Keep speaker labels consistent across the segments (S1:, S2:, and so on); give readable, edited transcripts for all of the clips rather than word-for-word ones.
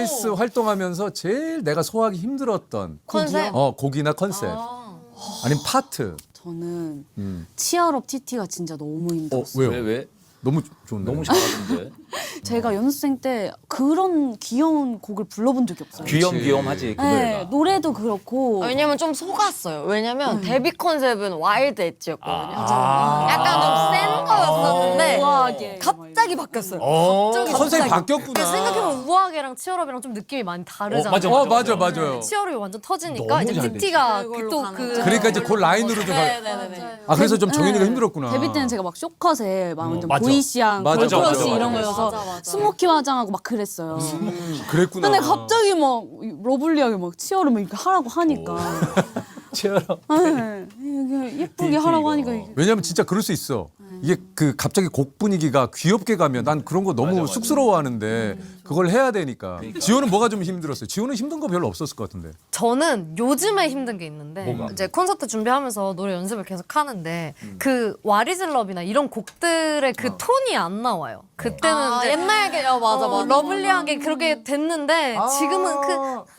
S1: 트와이스 활동하면서 제일 내가 소화하기 힘들었던
S2: 컨셉?
S1: 곡이나 컨셉 아니면 파트.
S3: 저는 치얼업 TT가 진짜 너무 힘들었어요.
S1: 왜요?
S4: 왜?
S1: 너무 좋네.
S4: 너무 잘하던데.
S3: 제가 연습생 때 그런 귀여운 곡을 불러본 적이 없어요.
S4: 귀염귀염하지 그
S3: 네,
S4: 노래가.
S3: 노래도 그렇고
S2: 왜냐면 좀 속았어요. 왜냐면 데뷔 컨셉은 와일드 엣지였거든요.
S4: 아.
S2: 약간 좀 센 거였었는데
S3: 우아하게
S2: 갑자기 바뀌었어요.
S1: 컨셉이 바뀌었구나.
S5: 생각해보면 우아하게랑 치얼업이랑 좀 느낌이 많이 다르잖아요.
S4: 맞아.
S1: 맞아요.
S5: 치얼업이 완전 터지니까
S4: 너무
S5: 이제
S4: 잘
S5: TT가
S2: 그걸로
S5: 또
S2: 가는
S5: 그
S2: 거죠.
S1: 그러니까 이제 그 라인으로 좀.
S2: 네네네.
S1: 아 그래서 좀 정윤이가
S3: 네.
S1: 힘들었구나.
S3: 데뷔 때는 제가 막 쇼컷에 막 완전
S4: 맞아.
S3: 보이시양,
S1: 맞아,
S3: 걸크러쉬
S1: 맞아,
S3: 이런
S1: 맞아.
S3: 거여서 스모키 화장하고 막 그랬어요.
S1: 그랬구나.
S3: 근데 갑자기 막 러블리하게 막 치얼을 이렇게 하라고 하니까
S4: 치열함.
S3: 네, 이게 예쁘게 하라고 하니까 이게
S1: 왜냐면 진짜 그럴 수 있어. 이게 그 갑자기 곡 분위기가 귀엽게 가면 난 그런 거 너무
S4: 맞아.
S1: 쑥스러워하는데 그걸 해야 되니까. 지호는 뭐가 좀 힘들었어요? 지호는 힘든 거 별로 없었을 것 같은데.
S5: 저는 요즘에 힘든 게 있는데
S4: 뭐가?
S5: 이제 콘서트 준비하면서 노래 연습을 계속 하는데 그 와리즐럽이나 이런 곡들의 그 톤이 안 나와요. 그때는 이제
S2: 옛날 게 맞아 맞아.
S5: 러블리하게 그렇게 됐는데 지금은 그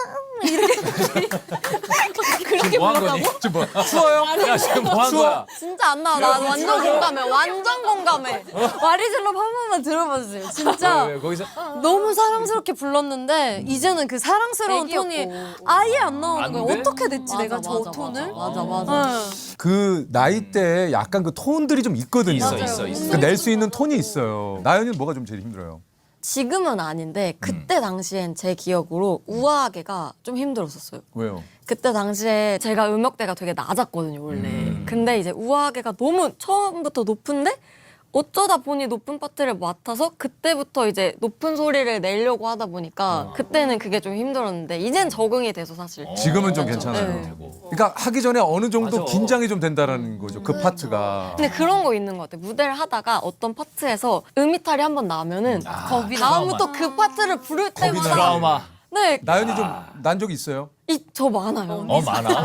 S4: 지금 뭐 한 거니?
S1: 지금 뭐 추워요?
S4: 야 지금 뭐 한 거야?
S2: 진짜 안 나와. 나 완전 공감해. 완전 공감해.
S5: 와리즐럽 한 번만 들어봐 주세요. 진짜
S4: 왜, 거기서
S5: 너무 사랑스럽게 불렀는데 이제는 그 사랑스러운
S2: 애기였고.
S5: 톤이 아예 안 나오는
S4: 안
S5: 거예요.
S4: 돼?
S5: 어떻게 됐지
S2: 맞아,
S5: 내가 저
S2: 맞아,
S5: 톤을?
S2: 맞아.
S1: 그 나이 때 약간 그 톤들이 좀 있거든요.
S4: 있어.
S1: 그 낼 수 있는 톤이 있어요. 나연이는 뭐가 좀 제일 힘들어요?
S2: 지금은 아닌데 그때 당시엔 제 기억으로 우아하게가 좀 힘들었었어요.
S1: 왜요?
S2: 그때 당시에 제가 음역대가 되게 낮았거든요 원래. 근데 이제 우아하게가 너무 처음부터 높은데 어쩌다 보니 높은 파트를 맡아서 그때부터 이제 높은 소리를 내려고 하다 보니까 그때는 그게 좀 힘들었는데 이젠 적응이 돼서 사실.
S1: 지금은 좀 괜찮아요.
S2: 네.
S1: 그러니까 하기 전에 어느 정도
S4: 맞아.
S1: 긴장이 좀 된다라는 거죠. 그 파트가.
S2: 근데 그런 거 있는 것 같아요. 무대를 하다가 어떤 파트에서 음이탈이 한 번 나면은 다음부터 그 파트를 부를 때마다
S4: 드라마.
S2: 네,
S1: 나연이 좀 난 적이 있어요?
S2: 저 많아요.
S4: 많아.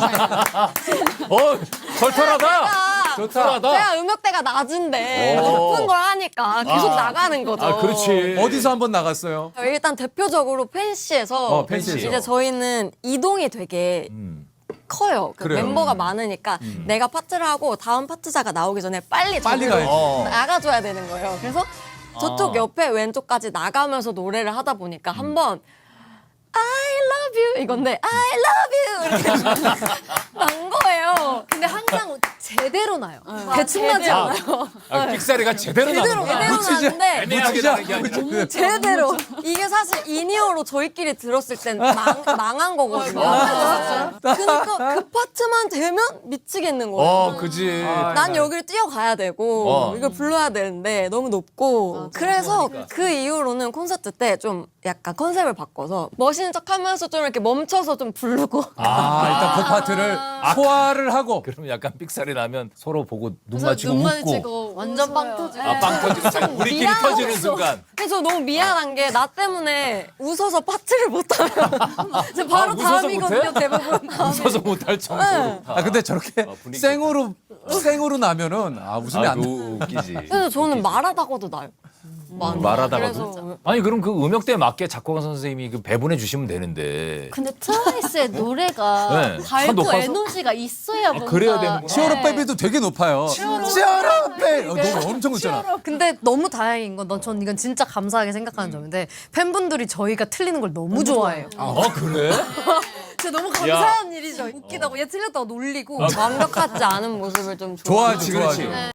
S4: 털털하다. 좋다.
S2: 제가 음역대가 낮은데
S4: 오.
S2: 높은 걸 하니까 계속 나가는 거죠.
S4: 아 그렇지.
S1: 어디서 한번 나갔어요?
S2: 일단 대표적으로 팬시에서
S1: 팬시에서.
S2: 이제 저희는 이동이 되게 커요. 그
S1: 그래요.
S2: 멤버가 많으니까 내가 파트를 하고 다음 파트자가 나오기 전에 빨리
S1: 빨리
S2: 저기로
S1: 가야지.
S2: 나가줘야 되는 거예요. 그래서 저쪽 옆에 왼쪽까지 나가면서 노래를 하다 보니까 한번 I love you 이건데 I love you 이렇게 난 거예요.
S5: 근데 항상 제대로 나요. 대충 나지
S4: 아,
S5: 않아요.
S4: 빅사리가 제대로
S2: 제대로
S4: 나는구나.
S2: 나는데
S4: 애매하게 나는 게 아니라.
S2: 제대로 이게 사실 인이어로 저희끼리 들었을 땐 망한 거거든요. 그러니까 그 파트만 되면 미치겠는 거예요.
S4: 그지.
S2: 난 여기를 뛰어가야 되고 이걸 불러야 되는데 너무 높고 그래서 그 이후로는 콘서트 때 좀 약간 컨셉을 바꿔서 멋있는 척하면서 좀 이렇게 멈춰서 좀 부르고
S1: 일단 그 파트를 소화를 하고.
S4: 그럼 약간 삑사리 나면 서로 보고 눈 맞추고 웃고.
S5: 완전 빵 터지고.
S4: 빵 터지는 우리끼리
S2: 미안하고
S4: 터지는 순간.
S2: 근데 저 너무 미안한 게 나 때문에 웃어서 파트를 못하면 저 바로
S4: 웃어서
S2: 다음이거든요
S4: 못해?
S2: 대부분.
S4: 웃어서 못할 정도로.
S1: 근데 저렇게
S4: 분위기
S1: 생으로 나면은 웃으면 안 돼.
S4: 웃기지.
S2: 그래서 저는 말하다가도 나요.
S4: 말하다가도.
S2: 그래서
S4: 아니 그럼 그 음역대에 맞게 작곡가 선생님이 그 배분해 주시면 되는데.
S5: 근데 트와이스의 노래가
S4: 네. 다
S5: 밝고
S4: 높아서?
S5: 에너지가 있어야 뭔가
S4: 그래야 되는구나.
S5: 네.
S1: 치어로 베비도 되게 높아요. 치어로 베비. 너무 엄청 높잖아.
S5: 근데 너무 다행인 건 전 이건 진짜 감사하게 생각하는 점인데 팬분들이 저희가 틀리는 걸 너무 좋아해요.
S4: 그래?
S5: 진짜 너무 감사한 일이죠. 웃기다고 얘 틀렸다고 놀리고
S2: 완벽하지 않은 모습을 좀
S1: 좋아하지,
S4: 그렇지.
S1: 좋아하지.